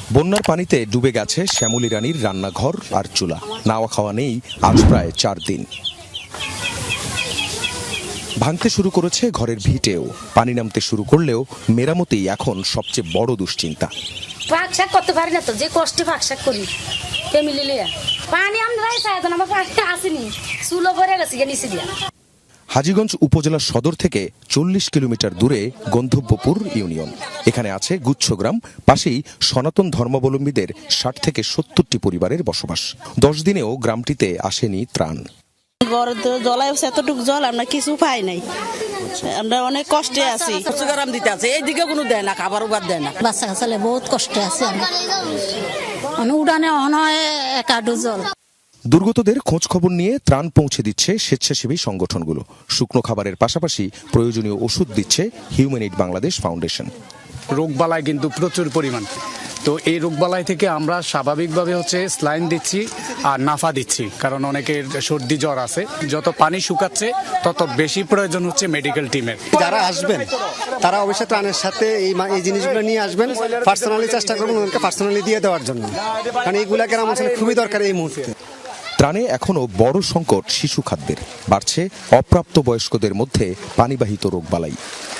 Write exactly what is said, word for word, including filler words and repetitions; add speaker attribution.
Speaker 1: বন্যার পানিতে ডুবে গেছে শ্যামলী রানীর রান্নাঘর আর চুলা। নাওয়া খাওয়া নেই আজ প্রায় চার দিন। ভাঙতে শুরু করেছে ঘরের ভিটেও। পানি নামতে শুরু করলেও মেরামতেই এখন সবচেয়ে বড় দুশ্চিন্তা।
Speaker 2: পাক শাক করতে পারি না তো, যে কষ্টে পাক শাক করি ফ্যামিলি লিয়া। পানি আমরাই চাই তো, আমার পাকটা আসেনি, চুলো ভরে গেছে নিচে দিয়া।
Speaker 1: হাজীগঞ্জ উপজেলা সদর থেকে চল্লিশ কিলোমিটার দূরে গন্ধব্যপুর ইউনিয়ন। এখানে আছে গুচ্ছগ্রাম, পাশেই সনাতন ধর্মাবলম্বীদের ষাট থেকে সত্তরটি পরিবারের বসবাস। দশ দিনেও গ্রামটিতে আসেনি ত্রাণ।
Speaker 3: জলায় এতটুকু জল আমরা কিছু পাই নাই, আমরা অনেক কষ্টে আছি।
Speaker 4: গরম দিতে আছে, এইদিকে কোনো দেয় না, খাবার উবার দেয় না।
Speaker 2: বাচ্চা কাচ্চালে বহুত কষ্টে আছে আমরা, উড়ানে অনয় একাডু জল।
Speaker 1: দুর্গতদের খোঁজ খবর নিয়ে ত্রাণ পৌঁছে দিচ্ছে স্বেচ্ছাসেবী সংগঠনগুলো। শুকনো খাবারের পাশাপাশি প্রয়োজনীয় ওষুধ দিচ্ছে হিউম্যান এইড বাংলাদেশ ফাউন্ডেশন।
Speaker 5: রোগবালাই কিন্তু প্রচুর পরিমাণ, তো এই রোগবালাই থেকে আমরা স্বাভাবিকভাবে হচ্ছে স্লাইন দিচ্ছি আর নাফা দিচ্ছি, কারণ অনেকের সর্দি জ্বর আছে। যত পানি শুকাচ্ছে তত বেশি প্রয়োজন হচ্ছে মেডিকেল টিমের।
Speaker 6: যারা আসবেন তারা অবশ্যই ত্রাণের সাথে এই এই জিনিসগুলো নিয়ে আসবেন। পার্সোনালি চেষ্টা করবেন ওদেরকে পার্সোনালি দিয়ে দেওয়ার জন্য, কারণ এইগুলা গ্রাম অঞ্চলে খুবই দরকার এই মুহূর্তে।
Speaker 1: ত্রাণে এখনও বড় সংকট শিশু খাদ্যের। বাড়ছে অপ্রাপ্ত বয়স্কদের মধ্যে পানিবাহিত রোগবালাই।